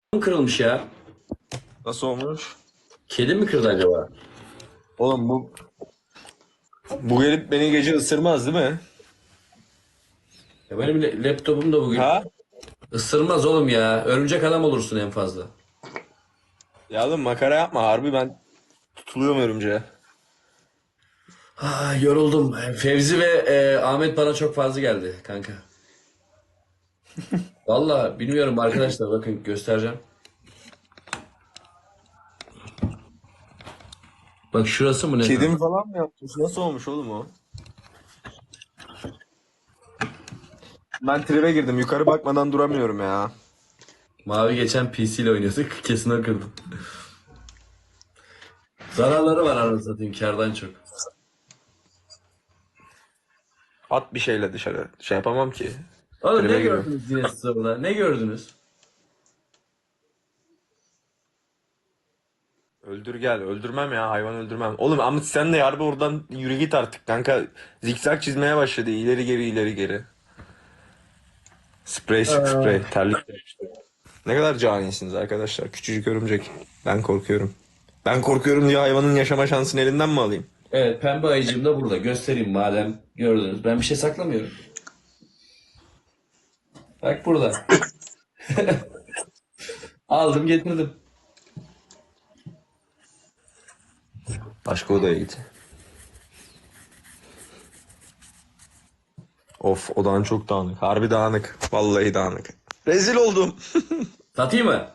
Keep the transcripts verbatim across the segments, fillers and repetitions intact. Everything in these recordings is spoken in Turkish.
kırılmış ya. Nasıl olmuş? Kedi mi kırdı acaba? Oğlum bu bu gelip beni gece ısırmaz değil mi? Ya benim le- laptopum da bugün. Ha? Isırmaz oğlum ya. Örümcek adam olursun en fazla. Ya oğlum makara yapma harbi ben tutuluyorum örümceğe. Ah, yoruldum. Fevzi ve e, Ahmet bana çok fazla geldi kanka. Valla bilmiyorum arkadaşlar, bakın göstereceğim. Bak şurası mı ne kanka? Kedim falan mı yapmış? Nasıl olmuş oğlum o? Ben tribe girdim. Yukarı bakmadan duramıyorum ya. Mavi geçen P C ile oynuyorduk. Kesin o kırdı. Zararları var anasını satayım kârdan çok. At bir şeyle dışarı. Şey yapamam ki. Oğlum ne Tribe giriyorum. gördünüz yine siz orada? Ne gördünüz? Öldür gel. Öldürmem ya. Hayvan öldürmem. Oğlum ama sen de harbi oradan yürü git artık kanka. Zikzak çizmeye başladı. İleri geri ileri geri. Sprey sık sprey. Terlik. Ne kadar canisiniz arkadaşlar. Küçücük örümcek. Ben korkuyorum. Ben korkuyorum diye hayvanın yaşama şansını elinden mi alayım? Evet, pembe ayıcığım da burada. Göstereyim madem gördünüz. Ben bir şey saklamıyorum. Bak burada. Aldım getirdim. Başka odaya git. Of odan çok dağınık. Harbi dağınık. Vallahi dağınık. Rezil oldum. Satayım mı?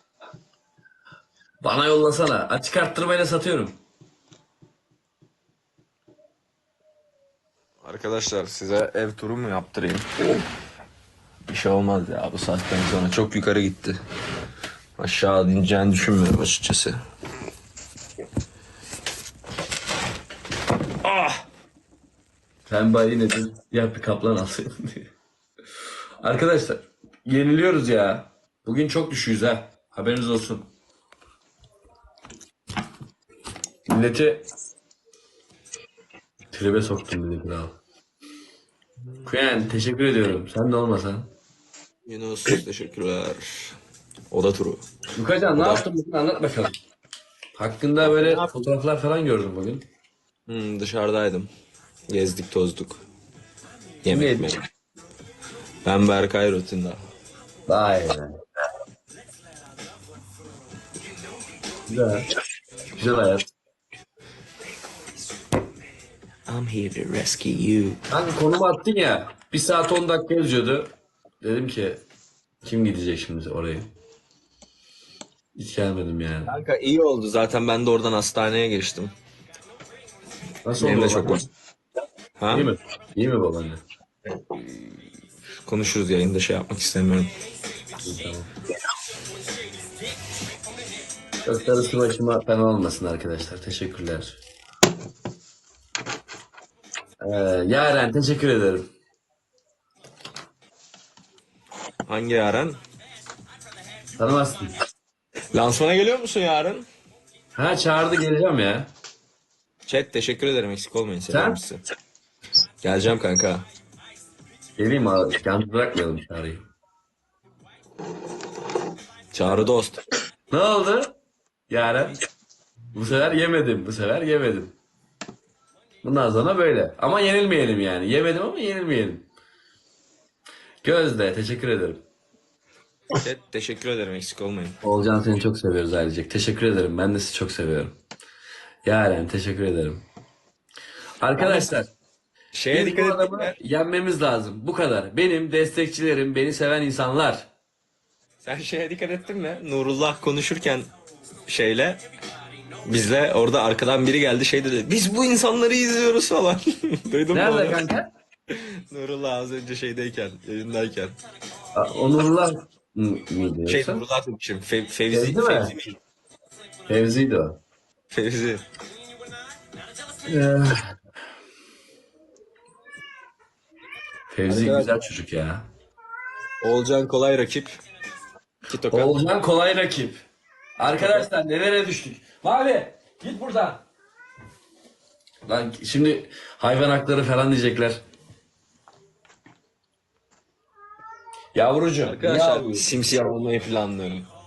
Bana yollasana. Açık arttırmayla satıyorum. Arkadaşlar size ev turu mu yaptırayım? Bir şey olmaz ya bu saatten sonra. Çok yukarı gitti. Aşağı ineceğini düşünmüyorum açıkçası. Pembe ayı nedir? Ya bir kaplan alsaydım diye. Arkadaşlar yeniliyoruz ya. Bugün çok düşüyoruz ha. Haberiniz olsun. Milleti tribe soktum dedi kral. Kuyen teşekkür ediyorum. Sen de olmasan. Yunus teşekkürler. Oda turu. Lukacan ne yaptın bugün, anlat bakalım. Hakkında böyle Ne yaptın? fotoğraflar falan gördüm bugün. Hmm, dışarıdaydım. Gezdik tozduk. Kim Yemek yedi? mi? Ben Berkay Rutin'da. Vay be. Güzel. Güzel hayat. I'm here to rescue you. Hangi konumu attın ya. Bir saat on dakika yazıyordu. Dedim ki kim gidecek şimdi oraya? Hiç gelmedim yani. Kanka iyi oldu zaten ben de oradan hastaneye geçtim. Nasıl Benim oldu de çok babaanne? var. Ha? İyi mi? İyi mi babaanne? Konuşuruz yayında şey yapmak istemiyorum. İyi, tamam. Çok darısı başıma fena olmasın arkadaşlar. Teşekkürler. Ee, Yaren teşekkür ederim. Hangi yarın? Tanımazsın. Lansmana geliyor musun yarın? Ha, çağırdı, geleceğim ya. Chat teşekkür ederim eksik olmayın seviyorum Sen? sizi. Geleceğim kanka. Geleyim abi. Yalnız bırakmayalım çağrıyı. Çağrı dost. Ne oldu? Yaren. Bu sefer yemedim. Bu sefer yemedim. Bundan sonra böyle. Ama yenilmeyelim yani. Yemedim ama yenilmeyelim. Gözde teşekkür ederim. Chat teşekkür ederim eksik olmayın. Olcan seni çok seviyoruz ailecek. Teşekkür ederim. Ben de sizi çok seviyorum. Yaren teşekkür ederim. Arkadaşlar Şeye biz bu dikkat adamı ettin mi? yenmemiz lazım. Bu kadar. Benim destekçilerim, beni seven insanlar. Sen şeye dikkat ettin mi? Nurullah konuşurken şeyle bizle orada arkadan biri geldi şey dedi. Biz bu insanları izliyoruz falan. Duydun mu Nerede onu? kanka? Nurullah az önce şeydeyken, yayındayken. Aa, Onurullah mı- mıydı Şey yoksa? Nurullah demişim. Fe, Fevzi, Fevzi mi? Fevzi miydi? Fevzi'ydi o. Fevzi. Ee, Fevzi Arkadaşlar. güzel çocuk ya. Oğulcan kolay rakip. İki tokat. Oğulcan kolay rakip. Arkadaşlar nelere düştük? Mavi git buradan. Lan şimdi hayvan hakları falan diyecekler. Yavrucuğum. Arkadaşlar yavru. simsiyah olmayı planlıyorum.